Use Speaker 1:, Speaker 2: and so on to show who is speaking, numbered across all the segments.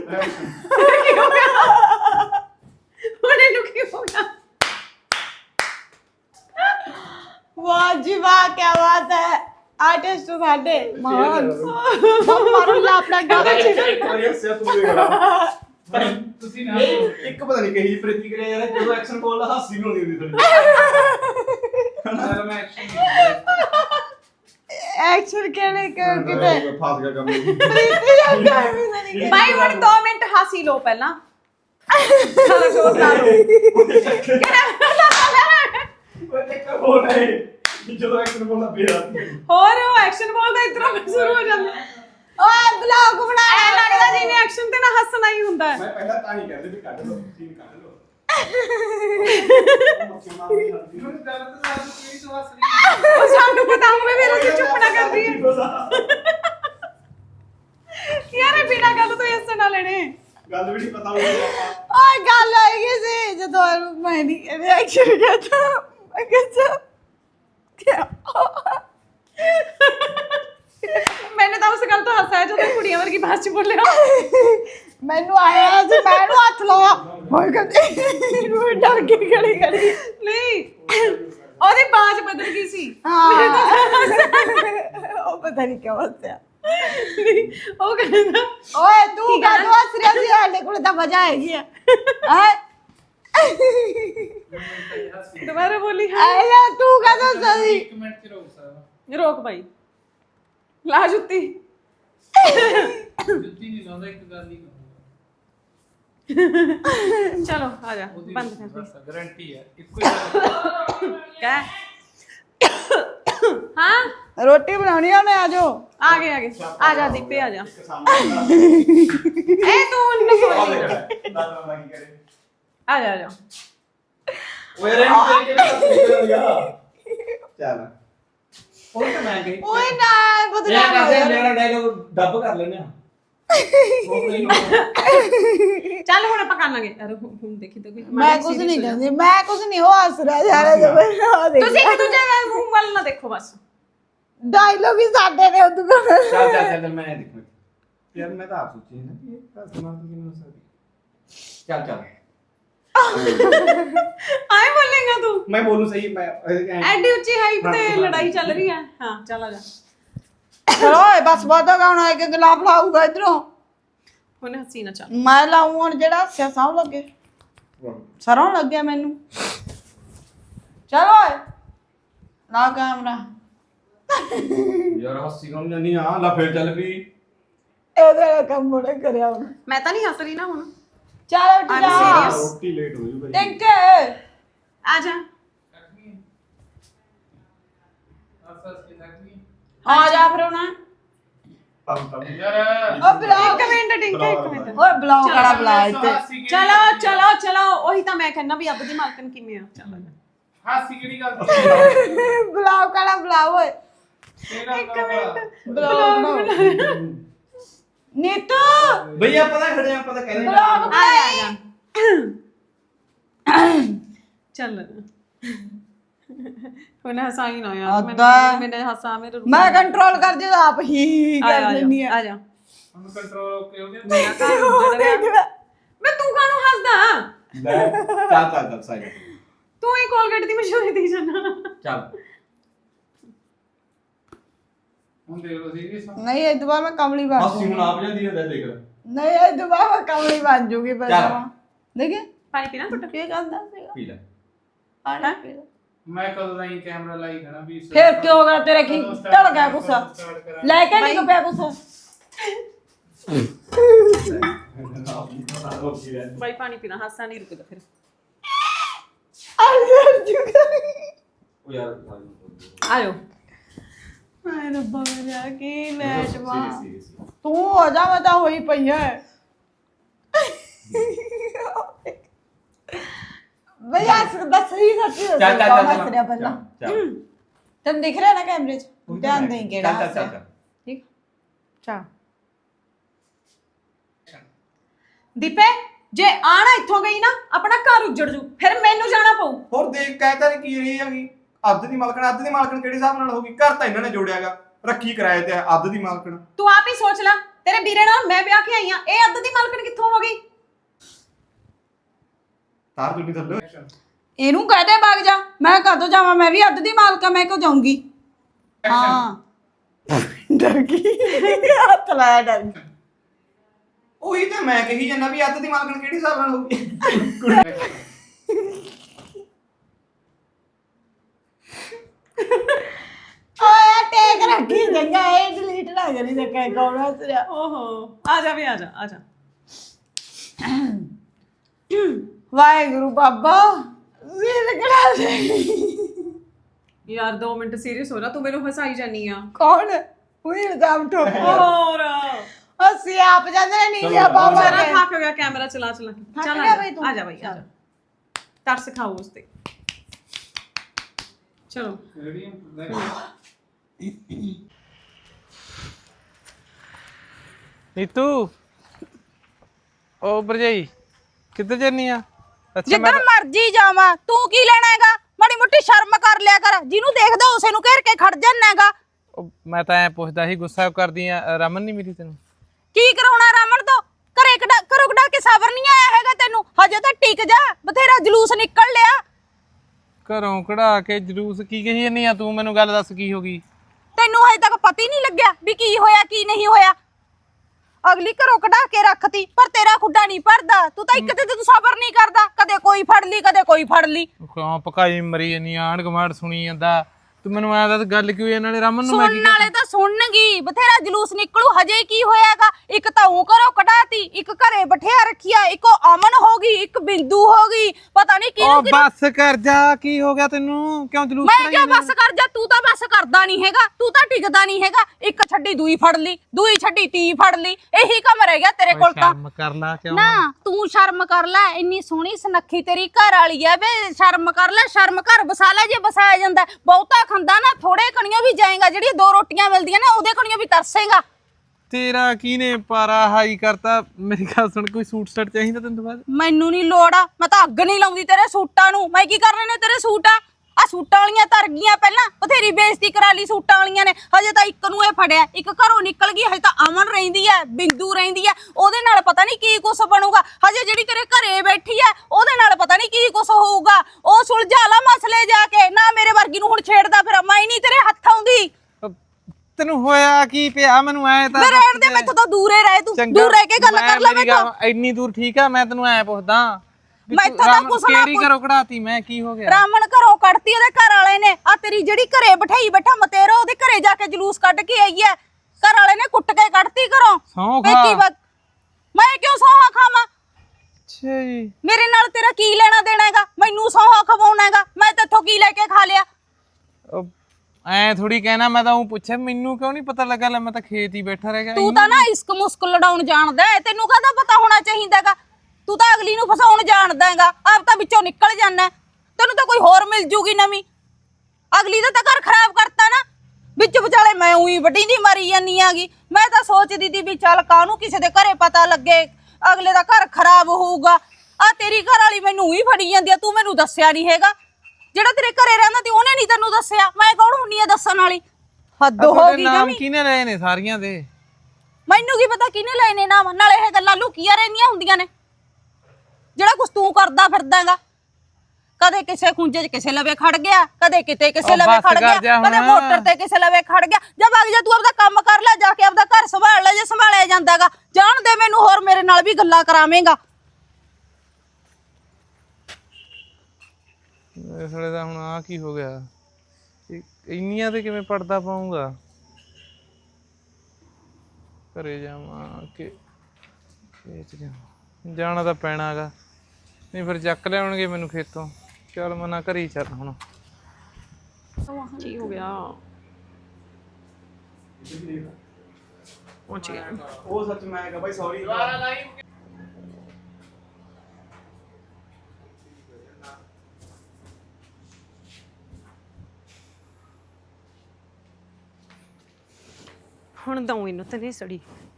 Speaker 1: ਕੀ ਹੋ ਗਿਆ ਹੁਣ ਇਹਨੂੰ ਕੀ ਹੋ ਗਿਆ ਵਾਹ ਜੀ ਵਾਹ ਕੀ ਬਾਤ ਹੈ ਆਰਟਿਸਟ ਸਾਡੇ ਮਹਾਨ ਮਾਰੂ ਲਾ ਆਪਣਾ ਗਾਣਾ
Speaker 2: ਇੱਕ ਵਾਰੀ ਹੱਸਿਆ ਤੂੰ ਵੀ ਕਰਾ
Speaker 3: ਤੁਸੀਂ ਨਾ
Speaker 2: ਇੱਕ ਪਤਾ ਨਹੀਂ ਕਹੀ ਪ੍ਰਤੀਕਿਰਿਆ ਯਾਰ ਜਦੋਂ ਐਕਸ਼ਨ ਬੋਲਦਾ ਹਾਸੀ ਵੀ ਹੁੰਦੀ ਥੋੜੀ
Speaker 3: ਸਰ ਮੈਂ ਐਕਸ਼ਨ
Speaker 1: ਐਕਸ਼ਨ ਕਿਹੜੇ ਕਿਤੇ
Speaker 2: ਫਾਸ ਗਿਆ ਕੰਮ
Speaker 1: ਭਾਈ ਹੁਣ 2 ਮਿੰਟ ਹਾਸੀ ਲੋ ਪਹਿਲਾਂ ਸਾਰਾ ਸ਼ੋਰ ਲਾ ਲੋ
Speaker 2: ਉਹ ਚੱਕਰ ਹੋ ਰਿਹਾ ਜਦੋਂ ਐਕਸ਼ਨ ਬੋਲਦਾ ਪਿਆ
Speaker 1: ਹੋਰ ਉਹ ਐਕਸ਼ਨ ਬੋਲਦਾ ਇਧਰੋਂ ਸ਼ੁਰੂ ਹੋ ਜਾਂਦਾ ਓਏ ਬਲੌਗ ਬਣਾਇਆ ਲੱਗਦਾ ਜੀ ਨੇ ਐਕਸ਼ਨ ਤੇ ਨਾ ਹੱਸਣਾ ਹੀ ਹੁੰਦਾ
Speaker 2: ਮੈਂ ਪਹਿਲਾਂ ਤਾਂ ਨਹੀਂ ਕਹਿੰਦੇ ਵੀ ਕੱਢ ਲਓ ਸੀਨ ਕੱਢ ਲਓ
Speaker 3: ਮੈਨੂੰ ਗੱਲ ਤਾਂ ਸਾਨੂੰ ਕੋਈ ਸਵਾਸ ਨਹੀਂ
Speaker 1: ਉਹ ਸਾਨੂੰ ਪਤਾ ਹੋਵੇ ਫਿਰ ਅਸੀਂ ਚੁੱਪ ਨਾ ਕਰਦੀ ਯਾਰ ਇਹ ਬਿਨਾਂ ਗੱਲ ਤੋਂ ਹੱਸਣ ਨਾ ਲੈਣੇ
Speaker 2: ਗੱਲ ਵੀ ਨਹੀਂ ਪਤਾ ਹੋਈ
Speaker 1: ਓਏ ਗੱਲ ਆਏਗੀ ਸੀ ਜਦੋਂ ਮੈਂ ਨਹੀਂ ਰਿਐਕਸ਼ਨ ਕੀਤਾ ਮੈਂ ਕਿਹਾ ਮੈंने ਤਾਂ ਉਸ ਗੱਲ ਤੋਂ ਹੱਸਿਆ ਜਦੋਂ ਕੁੜੀਆਂ ਵਰਗੀ ਬਾਤ ਚ ਬੋਲਿਆ ਮੈਨੂੰ ਆਇਆ ਸੀ ਮੈਂ ਨੂੰ ਹੱਥ ਲਾਇਆ ਹੋਏ ਕਹਿੰਦੀ ਮੈਂ ਡਰ ਕੇ ਖੜੀ ਨਹੀਂ ਉਹਦੀ ਬਾਜ਼ ਬਦਲ ਗਈ ਸੀ ਉਹ ਪਤਾ ਨਹੀਂ ਕਿਉਂ ਹੱਸਿਆ ਉਹ ਕਹਿੰਦਾ ਓਏ ਤੂੰ ਕਾਹਦੋਂ ਹੱਸ ਰਿਹਾ ਸੀ ਸਾਡੇ ਕੋਲ ਤਾਂ ਮਜ਼ਾ ਆਏਗੀ ਹੈ ਦੁਬਾਰਾ ਬੋਲੀ ਹੈ ਤੂੰ ਕਾਹਦੋਂ ਹੱਸਿਆ ਸੀ
Speaker 3: 1 ਮਿੰਟ ਚ ਰੋਕ ਸਕਦਾ
Speaker 1: ਰੋਕ ਭਾਈ ਲਾ ਜੁੱਤੀ
Speaker 3: ਜੁੱਤੀ ਨਹੀਂ ਲਾਉਂਦਾ ਇੱਕ ਗੱਲ ਹੀ ਕਹੂੰਗਾ
Speaker 1: ਚਲੋ ਆ ਜਾ
Speaker 3: ਉਹਦੀ
Speaker 1: ਬੰਦ ਕਰ
Speaker 3: ਬਸ ਗਾਰੰਟੀ ਹੈ ਇੱਕੋ ਹੀ
Speaker 1: ਕਹਿ ਹਾਂ ਰੋਟੀ ਬਣਾਉਣੀ ਆ ਉਹਨੇ ਆ ਗਏ ਆ ਜਾ ਦੀਪੇ ਆ ਜਾ ਇਹ ਤੂੰ ਨਾ ਬੋਲੀ ਆ ਜਾ
Speaker 2: ਓਏ ਰੇ ਨਹੀਂ ਚੱਲ ਉਹ ਤਾਂ ਮੈਂ ਗਈ
Speaker 1: ਓਏ ਨਾ
Speaker 2: ਇਹ ਕਰਦੇ ਮੇਰਾ ਡਾਇਲੌਗ ਡੱਬ ਕਰ ਲੈਨੇ ਆ
Speaker 1: ਚੱਲ ਹੁਣ ਆਪਾਂ ਕਰ ਲਾਂਗੇ ਯਾਰ ਹੁਣ ਦੇਖੀ ਤਾਂ ਕੋਈ
Speaker 4: ਮੈਂ ਕੁਝ ਨਹੀਂ ਕਹਿੰਦੀ ਮੈਂ ਕੁਝ ਨਹੀਂ ਹੋ ਹੱਸ ਰਿਹਾ ਜਾ ਰਿਹਾ
Speaker 1: ਤੁਸੀਂ ਇੱਕ ਦੂਜੇ ਦਾ ਮੂੰਹ ਵੱਲ ਨਾ ਦੇਖੋ ਬਸ
Speaker 4: ਡਾਇਲੋਗ ਹੀ ਸਾਡੇ ਨੇ ਉਦੋਂ
Speaker 2: ਚੱਲ ਮੈਂ ਦੇਖੋ ਯਾਰ ਮੈਂ ਤਾਂ ਆਪ ਸੋਚੀ ਨਾ ਕਿ ਇਹ ਤਾਂ ਸਮਾਂ ਕਿਵੇਂ ਹੋ ਸਕਦੀ ਚੱਲ
Speaker 1: ਆਏ ਬੋਲੇਗਾ ਤੂੰ
Speaker 2: ਮੈਂ ਬੋਲੂ ਸਹੀ ਮੈਂ
Speaker 1: ਐਡੀ ਉੱਚੀ ਹਾਈਪ ਤੇ ਲੜਾਈ ਚੱਲ ਰਹੀ ਹੈ ਹਾਂ ਚੱਲ ਆ ਜਾ
Speaker 4: ਚਲੋ ਓਏ ਬਸ ਵਾਦਾ ਗਾਉਣਾ ਇੱਕ ਗਲਾਬ ਲਾਊਗਾ ਇਧਰੋਂ
Speaker 1: ਹੁਣ ਹੱਸੀ ਨਾ ਚੱਲ
Speaker 4: ਮੈਂ ਲਾਉਂ ਹੁਣ ਜਿਹੜਾ ਹੱਸਿਆ ਸੌ ਲੱਗੇ ਸਰੋਂ ਲੱਗਿਆ ਮੈਨੂੰ ਚਲੋ ਓਏ ਲਾ ਕੈਮਰਾ
Speaker 2: ਯਾਰ ਹੱਸੀ ਕੌਣ ਨਹੀਂ ਆ ਲਾ ਫੇਰ ਚੱਲ ਵੀ
Speaker 4: ਇਹਦਾ ਕੰਮ ਮੁੜੇ ਕਰਿਆ ਹੁਣ
Speaker 1: ਮੈਂ ਤਾਂ ਨਹੀਂ ਹੱਸ ਰਹੀ ਨਾ ਹੁਣ
Speaker 4: ਚਲ ਉੱਠ
Speaker 1: I'm
Speaker 4: ਜਾ
Speaker 1: serious.
Speaker 2: ਰੋਟੀ ਲੇਟ ਹੋ ਜੂ ਭਾਈ
Speaker 4: ਟਿੰਕ
Speaker 1: ਆ ਜਾ
Speaker 4: ਆ ਜਾ ਫਿਰ ਹੁਣ
Speaker 3: ਯਾਰ
Speaker 4: ਓ ਬਲੌਗ
Speaker 1: ਇੱਕ ਮਿੰਟ ਟਿੰਕਾ ਇੱਕ ਮਿੰਟ
Speaker 4: ਓਏ ਬਲੌਗ ਵਾਲਾ ਬੁਲਾ ਇੱਥੇ
Speaker 1: ਚਲੋ ਉਹੀ ਤਾਂ ਮੈਂ ਕਹਿੰਦਾ ਵੀ ਅੱਬ ਦੀ ਮਾਲਕਨ ਕਿਵੇਂ ਆ ਚੱਲ ਆ ਜਾ
Speaker 3: ਹਾਸੀ ਕਿਹੜੀ ਗੱਲ
Speaker 4: ਬਲੌਗ ਵਾਲਾ ਬੁਲਾ ਓਏ
Speaker 1: ਇੱਕ ਮਿੰਟ
Speaker 4: ਬਲੌਗ ਨੀਤੂ
Speaker 2: ਭਈਆ ਪਤਾ ਖੜੇ ਆ ਪਤਾ ਕਹਿੰਦੇ
Speaker 4: ਬਲੌਗ
Speaker 1: ਆ ਜਾ ਚੱਲ ਹੁਣ ਹਸਾਈ ਨਾ ਯਾਰ ਮੈਨੇ ਹੱਸਾ ਮੇਰੇ
Speaker 4: ਮੈਂ ਕੰਟਰੋਲ ਕਰਦੀ ਤਾਂ ਆਪ ਹੀ ਕਰ ਲੈਣੀ
Speaker 1: ਆ ਜਾ
Speaker 3: ਉਹਨੂੰ ਕੰਟਰੋਲ ਓਕੇ ਹੋ ਗਿਆ
Speaker 1: ਮੇਰਾ ਘਰ ਉੱਜੜ ਰਿਹਾ ਮੈਂ ਤੂੰ ਕਾਹਨੂੰ ਹੱਸਦਾ
Speaker 2: ਲੈ ਚੱਲ ਸਾਈਡ
Speaker 1: ਤੂੰ ਹੀ ਕੋਲਗੇਟ ਦੀ ਮਸ਼ਹੂਰੀ ਦੀ ਜਾਨਾ
Speaker 2: ਚੱਲ
Speaker 3: ਹੁਣ ਦੇਖ ਲਓ ਸੀਰੀਅਸ
Speaker 4: ਨਹੀਂ ਇਹ ਦੁਬਾਰਾ ਮੈਂ ਕਮਲੀ ਬਣ
Speaker 2: ਹੱਸੀ ਹੁਣ ਆਪ ਜਾਂਦੀ ਹੈ ਦੇਖ ਲੈ
Speaker 4: ਨਹੀਂ ਇਹ ਦੁਬਾਰਾ ਮੈਂ ਕਮਲੀ ਬਣ ਜੂਗੀ ਪਰ
Speaker 2: ਚੱਲ।
Speaker 4: ਦੇਖੇ
Speaker 1: ਪਾਣੀ ਪੀਣਾ ਘੁੱਟ
Speaker 4: ਕੀ ਕਹਿੰਦਾ ਸੀਗਾ
Speaker 2: ਪੀ ਲੈ
Speaker 4: ਪਾਣੀ ਪੀ ਲੈ।
Speaker 3: ਮੈਂ ਕਦੋਂ ਦਾ ਹੀ ਕੈਮਰਾ ਲਾਈ ਖੜਾ ਵੀ
Speaker 4: ਫਿਰ ਕੀ ਹੋ ਗਿਆ ਤੇਰੇ ਕੀ ਢਲ ਗਿਆ ਗੁੱਸਾ ਲੈ ਕੇ ਨਹੀਂ ਪਿਆ ਗੁੱਸਾ
Speaker 1: ਬਾਈ ਪਾਣੀ ਪੀਣਾ ਹਾਸਾ ਨਹੀਂ ਰੁਕਦਾ ਫਿਰ
Speaker 2: ਉਹ ਯਾਰ
Speaker 1: ਆਇਓ
Speaker 4: ਹਾਏ ਰੱਬਾ ਮੇਰਾ ਕੀ ਮੈਚ ਵਾ
Speaker 2: ਸੀਰੀਅਸ
Speaker 4: ਤੂੰ ਹੋ ਜਾ ਮੈਂ ਤਾਂ ਹੋਈ ਪਈ ਹੈ ਭਈਆ ਦੱਸ ਹੀ ਸੱਚੀ
Speaker 2: ਚੱਲ
Speaker 4: ਹੱਸ ਰਿਹਾ ਪਹਿਲਾਂ
Speaker 2: ਚੱਲ
Speaker 4: ਤੈਨੂੰ ਦਿਖ ਰਿਹਾ ਨਾ ਕੈਮਰੇ 'ਚ ਧਿਆਨ ਦੇਈ ਕਿਹੜਾ
Speaker 2: ਚੱਲ
Speaker 4: ਹੱਸਿਆ
Speaker 1: ਠੀਕ ਚਾ ਦੀਪੇ ਜੇ ਆਣਾ ਇੱਥੋਂ ਗਈ ਨਾ ਆਪਣਾ ਘਰ ਉੱਜੜ ਜੂ ਫਿਰ ਮੈਨੂੰ ਜਾਣਾ ਪਊ
Speaker 2: ਹੋਰ ਦੇਖ ਕਹਿਤਾ ਨਹੀਂ ਕੀ ਰਹੀ ਹੈਗੀ ਅੱਧ ਦੀ ਮਾਲਕਣ ਕਿਹੜੇ ਹਿਸਾਬ ਨਾਲ ਹੋਗੀ ਘਰ ਤਾਂ ਇਹਨਾਂ ਨੇ ਜੋੜਿਆਗਾ ਰੱਖੀ ਕਿਰਾਏ ਤੇ ਅੱਧ ਦੀ ਮਾਲਕਣ
Speaker 1: ਤੂੰ ਆਪ ਹੀ ਸੋਚ ਲੈ ਤੇਰੇ ਵੀਰੇ ਨਾਲ ਮੈਂ ਵਿਆਹ ਕੇ ਆਈ ਆ ਇਹ ਅੱਧ ਦੀ ਮਾਲਕਣ ਕਿੱਥੋਂ
Speaker 2: ਤਾਰ ਟੁੱਟੀ ਥੱਲੇ
Speaker 4: ਇਹਨੂੰ ਕਹਦੇ ਵਗ ਜਾ, ਮੈਂ ਕਦੋਂ ਜਾਵਾਂ, ਮੈਂ ਵੀ ਅੱਧ ਦੀ ਮਾਲਕ ਆ, ਮੈਂ ਕਿਉਂ ਜਾਊਂਗੀ। ਹਾਂ ਡਰ ਗਈ, ਹੱਥ ਲਾਇਆ ਡਰ ਗਈ।
Speaker 2: ਉਹੀ ਤਾਂ ਮੈਂ ਕਹੀ ਜਾਂਦਾ ਵੀ ਅੱਧ ਦੀ ਮਾਲਕਣ ਕਿਹੜੀ ਹਿਸਾਬ ਨਾਲ ਹੋਊਗੀ
Speaker 4: ਓਏ ਟੇਕ ਰੱਖੀ ਜੰਗਾ, ਇਹ ਡਿਲੀਟ ਨਾ ਕਰੀ ਤੇ ਕਹਿ ਕੌਣ ਹੱਸ ਰਿਹਾ।
Speaker 1: ਓਹੋ ਆ ਜਾ ਵੀ ਆ ਜਾ ਆ ਜਾ।
Speaker 4: ਵਾਹਿਗੁਰੂ ਬਾਬਾ ਸਿਰ ਕਰਾ ਦੇ।
Speaker 1: ਯਾਰ 2 ਮਿੰਟ ਸੀਰੀਅਸ ਹੋ ਜਾ, ਤੂੰ ਮੈਨੂੰ ਹਸਾਈ ਜਾਨੀ ਆ।
Speaker 4: ਕੌਣ ਉਹ ਇਲਜ਼ਾਮ ਠੋਕੋ।
Speaker 1: ਹੋਰ
Speaker 4: ਅਸੀਂ ਆਪ ਜਾਂਦੇ ਨੇ ਨੀਲੇ ਬਾਬਾ
Speaker 1: ਸਾਰਾ
Speaker 4: ਦੇ।
Speaker 1: ਥੱਕ ਗਿਆ ਕੈਮਰਾ ਚਲਾ ਚਲਾ ਕੇ।
Speaker 4: ਥੱਕ
Speaker 1: ਚੱਲ
Speaker 4: ਗਿਆ ਬਈ ਤੂੰ।
Speaker 1: ਆ ਜਾ ਬਈ ਆ ਜਾ। ਤਰਸ ਖਾਓ ਉਸ ਤੇ। ਚਲੋ
Speaker 3: ਨੀਤੂ ਉਹ ਭਰਜਾਈ ਕਿੱਧਰ ਜਾਨੀ ਆ? ਅੱਛਾ
Speaker 4: ਜਿੱਧਰ ਮਰਜੀ ਜਾਵਾਂ, ਤੂੰ ਕੀ ਲੈਣਾ ਹੈਗਾ? ਮਾੜੀ ਮੋਟੀ ਸ਼ਰਮ ਕਰ ਲਿਆ ਕਰ, ਜਿਹਨੂੰ ਦੇਖਦਾ ਉਸੇ ਨੂੰ ਘੇਰ ਕੇ ਖੜ ਜਾਨਾ ਹੈਗਾ।
Speaker 3: ਮੈਂ ਤਾਂ ਐ ਪੁੱਛਦਾ ਸੀ, ਗੁੱਸਾ ਕਰਦੀ ਆ, ਰਮਨ ਨਹੀਂ ਮਿਲੀ ਤੈਨੂੰ?
Speaker 4: ਕੀ ਕਰਾਉਣਾ ਰਮਨ ਤੋਂ? ਘਰੇ ਘਰੋਂ ਕਢਾ ਕੇ ਸਬਰ ਨਹੀਂ ਆਇਆ ਹੈਗਾ ਤੈਨੂੰ? ਹਜੇ ਤਾਂ ਟਿਕ ਜਾ, ਬਥੇਰਾ ਜਲੂਸ ਨਿਕਲ ਲਿਆ।
Speaker 3: ਘਰੋਂ ਕਢਾ ਕੇ ਜਲੂਸ ਕੀ ਕਹੀ ਜਾਨੀ ਆ ਤੂੰ? ਮੈਨੂੰ ਗੱਲ ਦੱਸ ਕੀ ਹੋ ਗਈ?
Speaker 4: ਤੈਨੂੰ ਹਜੇ ਤੱਕ ਪਤਾ ਹੀ ਨਹੀਂ ਲੱਗਿਆ ਵੀ ਕੀ ਹੋਇਆ ਕੀ ਨਹੀਂ ਹੋਇਆ। ਅਗਲੀ ਘਰੋਂ ਕਢਾ ਕੇ ਰੱਖਤੀ, ਪਰ ਤੇਰਾ ਖੁੱਡਾ ਨਹੀਂ ਭਰਦਾ। ਤੂੰ ਤਾਂ ਇੱਕ ਤੇ ਤੂੰ ਸਬਰ ਨਹੀਂ ਕਰਦਾ, ਕਦੇ ਕੋਈ ਫੜ ਲਈ ਕਦੇ ਕੋਈ ਫੜ ਲਈ।
Speaker 3: ਕਿਉਂ ਪਕਾਈ ਮਰੀ ਜਾਨੀ ਆ? ਆਂਢ ਗੁਆਂਢ ਸੁਣੀ ਜਾਂਦਾ। ਤੂੰ ਮੈਨੂੰ ਐਂ ਦੱਸ ਗੱਲ ਕੀ ਹੋਈ ਇਹਨਾਂ ਨੇ? ਰਮਨ ਨੂੰ ਮੈਂ ਕੀ
Speaker 4: ਸੁਣਨ ਵਾਲੇ ਤਾਂ ਸੁਣਨਗੀ, ਬਥੇਰਾ ਜਲੂਸ ਨਿਕਲੂ। ਹਜੇ ਕੀ ਹੋਇਆਗਾ? ਇੱਕ ਤਾਂ ਉਹ ਘਰੋਂ ਕਢਾਤੀ, ਇੱਕ ਘਰੇ ਬਿਠਿਆ ਰੱਖਿਆ, ਇੱਕ ਅਮਨ ਹੋ ਗਈ, ਇੱਕ ਬਿੰਦੂ ਹੋ ਗਈ, ਪਤਾ ਨਹੀਂ
Speaker 3: ਉਹ
Speaker 4: ਕਿਹਨੂੰ
Speaker 3: ਬੱਸ ਕਰ ਜਾ, ਕੀ ਹੋ ਗਿਆ ਤੈਨੂੰ? ਕਿਉਂ ਜਲੂਸ
Speaker 4: ਮੈਂ
Speaker 3: ਕਢਾਈ
Speaker 4: ਕਿਹਾ
Speaker 3: ਜਾਂਦੀ?
Speaker 4: ਬਸ ਕਰ ਜਾ, ਤੂੰ ਤਾਂ ਬਸ ਕਰਦਾ ਨਹੀਂ ਹੈਗਾ, ਤੂੰ ਤਾਂ ਟਿਕਦਾ ਨਹੀਂ ਹੈਗਾ। ਇੱਕ ਛੱਡੀ ਦੂਈ ਫੜ ਲਈ, ਦੂਈ ਛੱਡੀ ਤੀ ਫੜ ਲਈ, ਇਹੀ ਕੰਮ ਰਹਿ ਗਿਆ ਤੇਰੇ ਕੋਲ ਤਾਂ।
Speaker 3: ਸ਼ਰਮ ਕਰ ਲਾ ਕਿਉਂ?
Speaker 4: ਨਾ ਤੂੰ ਸ਼ਰਮ ਕਰ ਲੈ, ਇੰਨੀ ਸੋਹਣੀ ਸੁਨੱਖੀ ਤੇਰੀ ਘਰ ਵਾਲੀ ਐ ਵੇ। ਸ਼ਰਮ ਕਰ ਲੈ, ਸ਼ਰਮ ਘਰ ਬਸਾ ਲੈ। ਜੇ ਬਸਾਇਆ ਜਾਂਦਾ, ਬਹੁਤਾ ਖੰਦਾ ਨਾ, ਥੋੜੇ ਕਣੀਆਂ ਵੀ ਜਾਏਗਾ। ਜਿਹੜੀਆਂ 2 ਰੋਟੀਆਂ ਮਿਲਦੀਆਂ ਨੇ ਉਹਦੇ ਕਣੀਆਂ ਵੀ ਤਰਸੇਗਾ।
Speaker 3: ਤੇਰਾ ਕਿਹਨੇ ਪਾਰਾ ਹਾਈ ਕਰਤਾ? ਮੇਰੀ ਗੱਲ ਸੁਣ, ਕੋਈ ਸੂਟ ਸਟ ਚਾਹੀਦਾ ਤੈਨੂੰ ਤੋਂ ਬਾਅਦ?
Speaker 4: ਮੈਨੂੰ ਨਹੀਂ ਲੋੜ ਆ, ਮੈਂ ਤਾਂ ਅੱਗ ਨਹੀਂ ਲਾਉਂਦੀ ਤੇਰੇ ਸੂਟਾਂ ਨੂੰ। ਮੈਂ ਕੀ ਕਰਨੇ ਨੇ ਤੇਰੇ ਸੂਟ? ਆ ਸੂਟਾਂ ਵਾਲੀਆਂ ਤਰ ਗਈਆਂ ਪਹਿਲਾਂ, ਬਥੇਰੀ ਬੇਇੱਜ਼ਤੀ ਕਰਾ ਲਈ ਸੂਟਾਂ ਵਾਲੀਆਂ ਨੇ। ਹਜੇ ਤਾਂ ਇੱਕ ਨੂੰ ਇਹ ਫੜਿਆ, ਇੱਕ ਘਰੋਂ ਨਿਕਲ ਗਈ। ਹਜੇ ਤਾਂ ਅਮਨ ਰਹਿੰਦੀ ਐ, ਬਿੰਦੂ ਰਹਿੰਦੀ ਐ, ਉਹਦੇ ਨਾਲ ਪਤਾ ਨਹੀਂ ਕੀ ਕੁਛ ਬਣੂਗਾ। ਹਜੇ ਜਿਹੜੀ ਤੇਰੇ ਘਰੇ ਬੈਠੀ ਐ, ਉਹਦੇ ਨਾਲ ਪਤਾ ਨਹੀਂ ਕੀ ਕੁਛ ਹੋਊਗਾ। ਉਹ ਸੁਲਝਾ ਲਾ ਮਸਲੇ ਜਾ ਕੇ, ਨਾ ਮੇਰੇ ਵਰਗੀ ਨੂੰ ਹੁਣ ਛੇੜਦਾ ਫਿਰ। ਮੈਂ ਨਹੀਂ ਤੇਰੇ ਹੱਥ ਆਉਂਦੀ।
Speaker 3: ਤੈਨੂੰ ਹੋਇਆ ਕੀ ਪਿਆ? ਮੈਨੂੰ ਐ ਤਾਂ
Speaker 4: ਮੈਂ ਰਹਿਣ ਦੇ, ਮੈਥੋਂ ਤਾਂ ਦੂਰੇ ਰਹਿ। ਤੂੰ ਦੂਰ ਰਹਿ ਕੇ ਗੱਲ ਕਰ ਲੈ ਮੈਥੋਂ।
Speaker 3: ਇੰਨੀ ਦੂਰ ਠੀਕ ਆ, ਮੈਂ ਤੈਨੂੰ ਐ ਪੁੱਛਦਾ
Speaker 4: ਮੈਥੋਂ ਤਾਂ ਕੁਛ ਨਾ
Speaker 3: ਕਿਹੜੀ ਘਰੋਂ ਕਢਾਤੀ ਮੈਂ? ਕੀ ਹੋ ਗਿਆ?
Speaker 4: ਰਾਮਨ ਘਰੋਂ ਕੱਢਤੀ ਉਹਦੇ ਘਰ ਵਾਲੇ ਨੇ। ਆ ਤੇਰੀ ਜਿਹੜੀ ਘਰੇ ਬਿਠਾਈ ਬੈਠਾ ਮਤੇਰੋ, ਉਹਦੇ ਘਰੇ ਜਾ ਕੇ ਜਲੂਸ ਕੱਢ ਕੇ ਆਈ ਐ। ਘਰ ਵਾਲੇ ਨੇ ਕੁੱਟ ਕੇ ਕੱਢਤੀ ਘਰੋਂ।
Speaker 3: ਸਹੁੰ
Speaker 4: ਵੇ
Speaker 3: ਖਾ।
Speaker 4: ਕੀ ਮੈਂ ਕਿਉਂ ਸੌਹਾਂ ਖਾਵਾਂ?
Speaker 3: ਅੱਛਾ ਜੀ।
Speaker 4: ਮੇਰੇ ਨਾਲ ਤੇਰਾ ਕੀ ਲੈਣਾ ਦੇਣਾ ਹੈਗਾ? ਮੈਨੂੰ ਸੌਹਾਂ ਖਵਾਉਣਾ ਹੈਗਾ? ਮੈਂ ਤੇਥੋਂ ਕੀ ਲੈ ਕੇ ਖਾ ਲਿਆ?
Speaker 3: ਐ ਥੋੜੀ ਕਹਿਣਾ, ਮੈਂ ਤਾਂ ਉਹ ਪੁੱਛਿਆ, ਮੈਨੂੰ ਕਿਉਂ ਨਹੀਂ ਪਤਾ ਲੱਗਾ? ਲੈ ਮੈਂ ਤਾਂ ਖੇਤ ਹੀ ਬੈਠਾ ਰਹਿ ਗਿਆ।
Speaker 4: ਤੂੰ ਤਾਂ ਨਾ ਇਸ਼ਕ ਮੁਸਕ ਲੜਾਉਣ ਜਾਣਦਾ ਹੈ। ਤੈਨੂੰ ਕਾਹਦਾ ਪਤਾ ਹੋਣਾ ਚਾਹੀਦਾ ਹੈਗਾ? ਤੂੰ ਤਾਂ ਅਗਲੀ ਨੂੰ ਫਸਾਉਣ ਜਾਣਦਾ ਹੈਗਾ, ਆਪ ਤਾਂ ਵਿੱਚੋਂ ਨਿਕਲ ਜਾਂਦਾ। ਤੈਨੂੰ ਤਾਂ ਕੋਈ ਹੋਰ ਮਿਲ ਜੂਗੀ ਨਵੀਂ। ਅਗਲੀ ਦਾ ਤਾਂ ਘਰ ਖਰਾਬ ਕਰਤਾ ਨਾ, ਵਿੱਚ ਵਿਚਾਲੇ ਮੈਂ ਉਹੀ ਵੱਡੀ ਦੀ ਮਾਰੀ ਜਾਨੀ ਆਗੀ। ਮੈਂ ਤਾਂ ਸੋਚਦੀ ਤੀ ਵੀ ਚੱਲ ਕਾਹਨੂੰ ਕਿਸੇ ਦੇ ਘਰੇ ਪਤਾ ਲੱਗੇ, ਅਗਲੇ ਦਾ ਘਰ ਖਰਾਬ ਹੋਊਗਾ। ਆ ਤੇਰੀ ਘਰ ਵਾਲੀ ਮੈਨੂੰ ਉਹੀ ਫੜੀ ਜਾਂਦੀ ਆ, ਤੂੰ ਮੈਨੂੰ ਦੱਸਿਆ ਨਹੀਂ ਹੈਗਾ। ਜਿਹੜਾ ਤੇਰੇ ਘਰੇ ਰਹਿੰਦਾ ਤੇ ਉਹਨੇ ਨਹੀਂ ਤੈਨੂੰ ਦੱਸਿਆ। ਮੈਂ ਕੌਣ ਹੁੰਨੀ ਆ ਦੱਸਣ ਵਾਲੀ? ਹੱਦ ਹੋ ਗਈ
Speaker 3: ਨਾਮ
Speaker 4: ਜਮੀ।
Speaker 3: ਕਿਹਨੇ ਲਏ ਨੇ ਸਾਰੀਆਂ ਦੇ?
Speaker 4: ਮੈਨੂੰ ਕੀ ਪਤਾ ਕਿਹਨੇ ਲਏ ਨੇ ਨਾਮ? ਨਾਲੇ ਇਹ ਗੱਲਾਂ ਲੁਕੀਆਂ ਰਹਿੰਦੀਆਂ ਹੁੰਦੀਆਂ ਨੇ, ਜਿਹੜਾ ਕੁਛ ਤੂੰ ਕਰਦਾ ਫਿਰਦਾਗਾ। ਕਦੇ ਕਿਸੇ ਖੁੰਝੇ 'ਚ ਕਿਸੇ ਲਵੇ ਖੜ ਗਿਆ, ਕਦੇ ਕਿਤੇ ਕਿਸੇ ਲਵੇ ਖੜ ਗਿਆ, ਕਦੇ ਮੋਟਰ ਤੇ ਕਿਸੇ ਲਵੇ ਖੜ ਗਿਆ। ਜਦ ਵਗ ਜਾ ਤੂੰ ਆਪਦਾ ਕੰਮ ਕਰ ਲੈ, ਜਾ ਕੇ ਆਪਦਾ ਘਰ ਸੰਭਾਲ ਲੈ ਜੇ ਸੰਭਾਲਿਆ ਜਾਂਦਾਗਾ। ਜਾਣ ਦੇ ਮੈਨੂੰ, ਹੋਰ ਮੇਰੇ ਨਾਲ ਵੀ ਗੱਲਾਂ ਕਰਾਵੇਂਗਾ।
Speaker 3: ਇਸ ਵੇਲੇ ਤਾਂ ਹੁਣ ਆ ਕੀ ਹੋ ਗਿਆ? ਇੰਨੀਆਂ ਤੇ ਕਿਵੇਂ ਪੜਦਾ ਪਾਉਂਗਾ? ਘਰੇ ਜਾਵਾਂ ਕਿ ਖੇਤ ਜਾਵਾਂ? ਜਾਣਾ ਤਾਂ ਪੈਣਾਗਾ, ਨਹੀਂ ਫਿਰ ਚੱਕ ਲਿਆਉਣਗੇ ਮੈਨੂੰ ਖੇਤੋਂ। ਚੱਲ ਮੈਂ ਨਾ ਘਰੇ ਹੀ ਚੱਲ ਹੁਣ।
Speaker 1: ਕੀ ਹੋ ਗਿਆ? ਪਹੁੰਚ ਗਿਆ।
Speaker 2: ਉਹ ਸੱਚ ਮੈਂ ਕਹਾਂ ਬਾਈ ਸੌਰੀ।
Speaker 1: ਹੁਣ ਦਊਂ ਇਹਨੂੰ ਤਨੇ ਸੜੀ।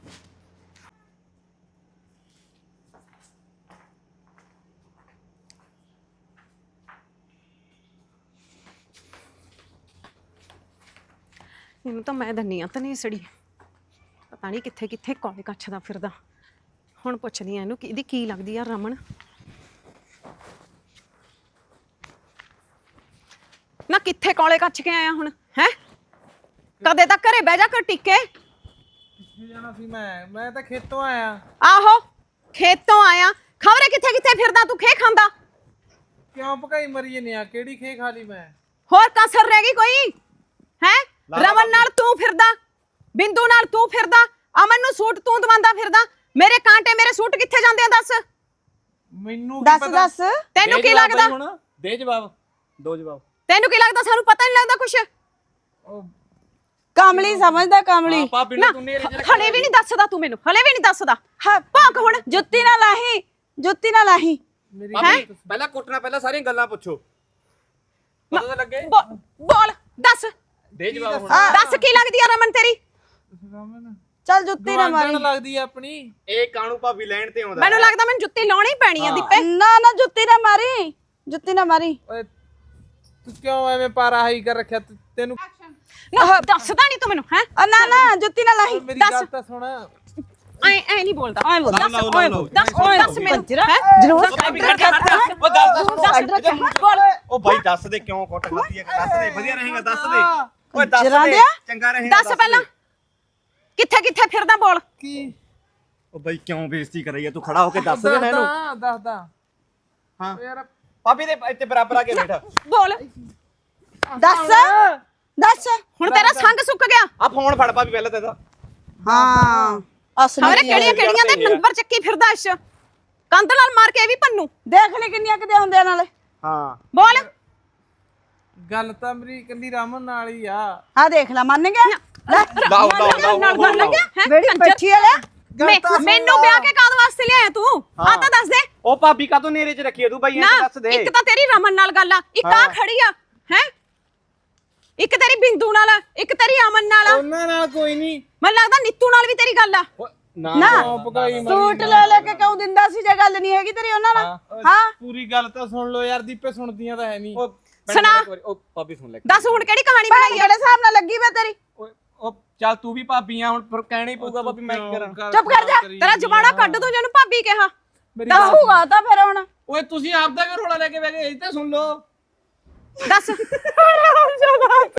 Speaker 1: ਇਹਨੂੰ ਤਾਂ ਮੈਂ ਦੰਨੀ ਆ ਤਨੇ ਸੜੀ। ਪਤਾ ਨਹੀਂ ਕਿੱਥੇ ਕਿੱਥੇ ਕੋਲੇ ਕੱਛਦਾ ਫਿਰਦਾ। ਹੁਣ ਪੁੱਛਦੀ ਆ ਇਹਨੂੰ ਕਿ ਇਹਦੀ ਕੀ ਲੱਗਦੀ ਆ ਰਮਨ। ਨਾ ਕਿੱਥੇ ਕੋਲੇ ਕੱਚ ਕੇ ਆਇਆ ਹੁਣ ਹੈ? ਕਦੇ ਤਾਂ ਘਰੇ ਬਹਿ ਜਾ ਕਰ ਟਿੱਕੇ।
Speaker 3: ਕਿੱਥੇ ਜਾਣਾ ਸੀ ਮੈਂ ਤਾਂ ਖੇਤੋਂ ਆਇਆ।
Speaker 1: ਆਹੋ ਖੇਤੋਂ ਆਇਆ, ਖਬਰੇ ਕਿੱਥੇ ਕਿੱਥੇ ਫਿਰਦਾ ਤੂੰ ਖੇ ਖਾਂਦਾ।
Speaker 3: ਕਿਉਂ ਭਕਾਈ ਮਰੀ ਨਹੀਂ ਆ? ਕਿਹੜੀ ਖੇ ਖਾ ਲਈ ਮੈਂ?
Speaker 1: ਹੋਰ ਕਸਰ ਰਹਿ ਗਈ ਕੋਈ ਹੈ? ਰਮਨ ਨਾਲ ਤੂੰ ਫਿਰਦਾ, ਬਿੰਦੂ ਨਾਲ ਤੂੰ ਫਿਰਦਾ, ਅਮਨ ਨੂੰ ਸੂਟ ਤੂੰ ਦਵਾਉਂਦਾ ਫਿਰਦਾ। ਮੇਰੇ ਕਾਂਟੇ ਮੇਰੇ ਸੂਟ ਕਿੱਥੇ ਜਾਂਦੇ ਆ ਦੱਸ?
Speaker 3: ਮੈਨੂੰ ਕੀ
Speaker 5: ਦੱਸ
Speaker 3: ਪਤਾ?
Speaker 5: ਦੱਸ
Speaker 1: ਤੈਨੂੰ ਕੀ ਲੱਗਦਾ?
Speaker 2: ਦੇ ਜਵਾਬ, ਦੋ ਜਵਾਬ।
Speaker 1: ਤੈਨੂੰ ਕੀ ਲੱਗਦਾ ਸਾਨੂੰ ਪਤਾ ਨਹੀਂ ਲੱਗਦਾ ਕੁਛ?
Speaker 3: ਉਹ
Speaker 5: ਕਮਲੀ ਸਮਝਦਾ ਕਮਲੀ।
Speaker 2: ਭਾਬੀ
Speaker 1: ਨਾ
Speaker 2: ਨੂੰ ਤੂੰ ਨੇਰੇ ਚ
Speaker 1: ਹਲੇ ਵੀ ਨਹੀਂ ਦੱਸਦਾ ਤੂੰ ਮੈਨੂੰ, ਹਲੇ ਵੀ ਨਹੀਂ ਦੱਸਦਾ।
Speaker 5: ਹਾਂ
Speaker 1: ਭੌਂਕ ਹੁਣ।
Speaker 5: ਜੁੱਤੀ ਨਾ ਲਾਹੀ, ਜੁੱਤੀ ਨਾ ਲਾਹੀ।
Speaker 3: ਮੇਰੀ
Speaker 2: ਭਾਬੀ ਪਹਿਲਾਂ ਕੁੱਟਣਾ, ਪਹਿਲਾਂ ਸਾਰੀਆਂ ਗੱਲਾਂ ਪੁੱਛੋ, ਪਤਾ ਤਾਂ ਲੱਗੇ।
Speaker 1: ਬੋਲ ਦੱਸ,
Speaker 2: ਦੇ ਜਵਾਬ ਹੁਣ।
Speaker 1: ਦੱਸ ਕੀ ਲੱਗਦੀ ਆ ਰਮਨ ਤੇਰੀ?
Speaker 3: ਰਮਨ
Speaker 5: ਚੱਲ ਜੁੱਤੀ ਨਾ ਮਾਰੀ।
Speaker 3: ਲੱਗਦੀ ਆ ਆਪਣੀ।
Speaker 2: ਇਹ ਕਾਣੂ ਭਾਬੀ ਲੈਣ ਤੇ ਆਉਂਦਾ।
Speaker 1: ਮੈਨੂੰ ਲੱਗਦਾ ਮੈਨੂੰ ਜੁੱਤੀ ਲਾਉਣੀ ਹੀ ਪੈਣੀ ਆ ਦੀਪੇ।
Speaker 5: ਨਾ ਨਾ ਜੁੱਤੀ ਨਾ ਮਾਰੀ, ਜੁੱਤੀ ਨਾ ਮਾਰੀ।
Speaker 3: ਓਏ ਤੂੰ ਕਿਉਂ ਐਵੇਂ ਪਾਰਾ ਹਾਈ ਕਰ ਰੱਖਿਆ? ਤੈਨੂੰ
Speaker 1: ਨਾ ਦੱਸਦਾ ਨਹੀਂ ਤੂੰ ਮੈਨੂੰ ਹੈ?
Speaker 5: ਨਾ ਨਾ ਜੁੱਤੀ ਨਾ ਲਾਹੀ।
Speaker 3: ਮੇਰੀ
Speaker 1: ਦੱਸ।
Speaker 3: ਗੱਲ ਤਾਂ ਸੁਣ।
Speaker 1: ਐ ਨਹੀਂ ਬੋਲਦਾ।
Speaker 5: ਓਏ ਬੋਲ
Speaker 1: ਦੱਸ
Speaker 2: ਲਓ, ਲਓ।
Speaker 1: ਦੱਸ ਮੈਨੂੰ ਹੈ?
Speaker 5: ਜਰੂਰ
Speaker 2: ਉਹ ਭਾਬੀ ਖੜ ਜਾ, ਖੜ ਜਾ। ਉਹ ਗੱਲ ਤਾਂ ਸੁਣ।
Speaker 1: ਬੋਲ।
Speaker 2: ਉਹ ਬਾਈ ਦੱਸ ਦੇ ਕਿਉਂ ਕੁੱਟ ਖਾਦੀ ਹੈ? ਦੱਸ ਦੇ, ਵਧੀਆ ਰਹੇਗਾ, ਦੱਸ ਦੇ। ਓਏ ਦੱਸ
Speaker 5: ਜਰਾਂ
Speaker 2: ਦੇ,
Speaker 5: ਦਿਆ?
Speaker 2: ਚੰਗਾ ਰਹੇਗਾ।
Speaker 1: ਦੱਸ ਪਹਿਲਾਂ ਕਿੱਥੇ ਕਿੱਥੇ ਫਿਰਦਾ ਬੋਲ।
Speaker 3: ਕੀ
Speaker 2: ਉਹ ਬਾਈ ਕਿਉਂ ਬੇਇੱਜ਼ਤੀ ਕਰਾਈ ਹੈ? ਤੂੰ ਖੜਾ ਹੋ ਕੇ ਦੱਸ ਦੇ ਮੈਨੂੰ।
Speaker 3: ਦੱਸਦਾ
Speaker 2: ਹਾਂ
Speaker 3: ਯਾਰ।
Speaker 2: ਭਾਬੀ ਦੇ ਇੱਥੇ ਬਰਾਬਰ ਆ ਕੇ ਬੈਠ।
Speaker 1: ਬੋਲ
Speaker 5: ਦੱਸ ਦੱਸ।
Speaker 1: ਹੁਣ ਤੇਰਾ ਸੰਗ ਸੁੱਕ ਗਿਆ।
Speaker 2: ਆ ਫੋਨ ਫੜ ਭਾਬੀ ਪਹਿਲਾਂ ਤੇ ਇਹਦਾ।
Speaker 5: ਹਾਂ
Speaker 1: ਖਬਰੇ
Speaker 5: ਅਸਲੀ
Speaker 1: ਕਿਹੜੀਆਂ ਕਿਹੜੀਆਂ ਦੇ ਨੰਬਰ ਚੱਕੀ ਫਿਰਦਾ ਇਸ ਕੰਧ ਨਾਲ ਮਾਰ ਕੇ ਇਹ ਵੀ ਪੰਨੂ।
Speaker 5: ਦੇਖ ਲੈ ਕਿੰਨੀਆਂ ਕਿਤੇ ਹੁੰਦੇ ਆ ਨਾਲੇ।
Speaker 2: ਹਾਂ
Speaker 1: ਬੋਲ
Speaker 3: ਗੱਲ ਤਾਂ ਮੇਰੀ ਇਕੱਲੀ ਰਮਨ ਨਾਲ ਹੀ ਆ।
Speaker 5: ਆ ਦੇਖ ਲੈ ਮੰਨ ਗਿਆ। ਲੈ
Speaker 2: ਲਾਓ ਲਾਓ
Speaker 1: ਨਾਲ
Speaker 2: ਲਾਓ
Speaker 1: ਮੰਨ ਗਿਆ ਹੈ?
Speaker 5: ਬੇੜੀ ਬੈਠੀ ਆ ਲੈ।
Speaker 1: ਮੈਨੂੰ ਵਿਆਹ ਕੇ ਕਾਹਦੇ ਵਾਸਤੇ ਲਿਆਇਆ ਤੂੰ? ਆ ਤਾਂ ਦੱਸ ਦੇ
Speaker 2: ਉਹ ਭਾਬੀ ਕਾ ਤੂੰ ਨੇਰੇ 'ਚ ਰੱਖੀ ਹੈ ਤੂੰ ਬਾਈ?
Speaker 1: ਨਾ।
Speaker 2: ਇਹ ਦੱਸ ਦੇ।
Speaker 1: ਇੱਕ ਤਾਂ ਤੇਰੀ ਰਮਨ ਨਾਲ ਗੱਲ ਆ, ਇੱਕ ਆ ਖੜੀ ਆ ਹੈ, ਇੱਕ ਤੇਰੀ ਬਿੰਦੂ ਨਾਲ, ਇੱਕ ਤੇਰੀ ਅਮਨ ਨਾਲ।
Speaker 3: ਉਹਨਾਂ ਨਾਲ ਕੋਈ ਨਹੀਂ।
Speaker 1: ਮੈਨੂੰ ਲੱਗਦਾ ਨੀਤੂ ਨਾਲ ਵੀ ਤੇਰੀ ਗੱਲ ਆ।
Speaker 2: ਨਾ
Speaker 5: ਨਾ
Speaker 3: ਭਕਾਈ ਮਰੀ
Speaker 5: ਸੂਟ ਲੈ ਲੈ ਕੇ ਕਿਉਂ ਦਿੰਦਾ ਸੀ ਜੇ ਗੱਲ ਨਹੀਂ ਹੈਗੀ ਤੇਰੀ ਉਹਨਾਂ ਨਾਲ? ਹਾਂ
Speaker 3: ਪੂਰੀ ਗੱਲ ਤਾਂ ਸੁਣ ਲਓ ਯਾਰ। ਦੀਪੇ ਸੁਣਦੀਆਂ ਤਾਂ ਹੈ ਨਹੀਂ।
Speaker 1: ਸੁਣਾ।
Speaker 2: ਉਹ ਭਾਬੀ ਸੁਣ ਲੈ।
Speaker 1: ਦੱਸ ਹੁਣ ਕਿਹੜੀ ਕਹਾਣੀ
Speaker 5: ਭੈਣ
Speaker 1: ਬਣਾਈ ਆ?
Speaker 5: ਕਿਹੜੇ ਹਿਸਾਬ ਨਾਲ ਲੱਗੀ ਵੇ ਤੇਰੀ?
Speaker 2: ਉਹ ਚੱਲ ਤੂੰ ਵੀ ਭਾਬੀ ਆ, ਹੁਣ ਫਿਰ ਕਹਿਣਾ ਹੀ ਪਊਗਾ ਭਾਬੀ ਮੈਂ ਕੀ ਕਰਾਂ।
Speaker 5: ਚੁੱਪ ਕਰ ਜਾ।
Speaker 1: ਤੇਰਾ ਜਵਾੜਾ ਕੱਢ ਦੂੰ ਜਿਹਨੂੰ ਭਾਬੀ ਕਿਹਾ।
Speaker 5: ਦੱਸੂਗਾ ਤਾਂ ਫਿਰ ਹੁਣ।
Speaker 2: ਓਏ ਤੁਸੀਂ ਆਪਦਾ ਕਿਉਂ ਰੋਲਾ ਲੈ ਕੇ ਬਹਿ ਗਏ? ਇਹ ਤਾਂ ਸੁਣ ਲਓ।
Speaker 1: ਦੱਸ